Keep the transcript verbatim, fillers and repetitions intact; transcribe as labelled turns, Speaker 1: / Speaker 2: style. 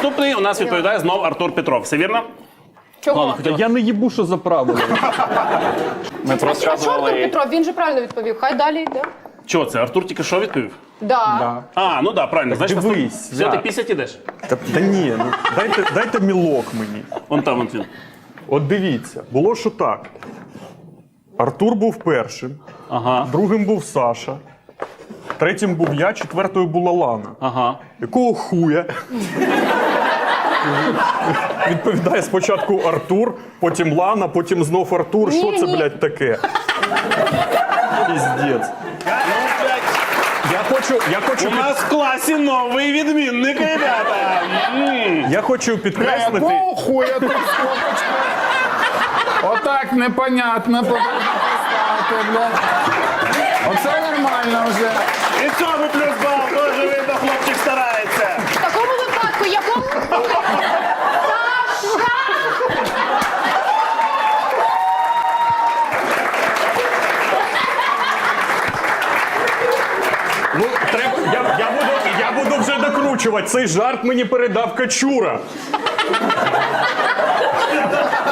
Speaker 1: Наступний у нас відповідає знов Артур Петров. Все вірно?
Speaker 2: Чого?
Speaker 3: Та я не їбу, що за правила.
Speaker 2: А
Speaker 4: Ми
Speaker 2: що Артур
Speaker 4: розказували.
Speaker 2: Петров? Він же правильно відповів. Хай далі йде.
Speaker 1: Чого це? Артур тільки що відповів?
Speaker 2: Да.
Speaker 1: А, ну да, правильно. Знаєш,
Speaker 3: дивись,
Speaker 1: наступ- Все,
Speaker 3: я.
Speaker 1: ти пісять ідеш.
Speaker 3: Та, та ні, ну дайте, дайте мілок мені.
Speaker 1: Вон там, вон він.
Speaker 3: От дивіться, було що так. Артур був першим,
Speaker 1: Ага,
Speaker 3: другим був Саша, третім був я, четвертою була Лана.
Speaker 1: ага.
Speaker 3: Якого хуя? Відповідає спочатку Артур, потім Лана, потім знов Артур. Що це,
Speaker 2: Ні-ні.
Speaker 3: блядь, таке? Піздець. Я хочу, я хочу,
Speaker 1: У нас в класі новий відмінник, ребята. М.
Speaker 3: я хочу підкреслити.
Speaker 4: Якого хуя тут скобочка? Отак непонятно поставити, блядь. Оце нормально вже.
Speaker 1: І цьому плюс бал, теж видно, хлопчик старається.
Speaker 2: В такому випадку якому... Саша!
Speaker 3: Ну, треба, я, я, буду, я буду вже докручувати. Цей жарт мені передав Качура.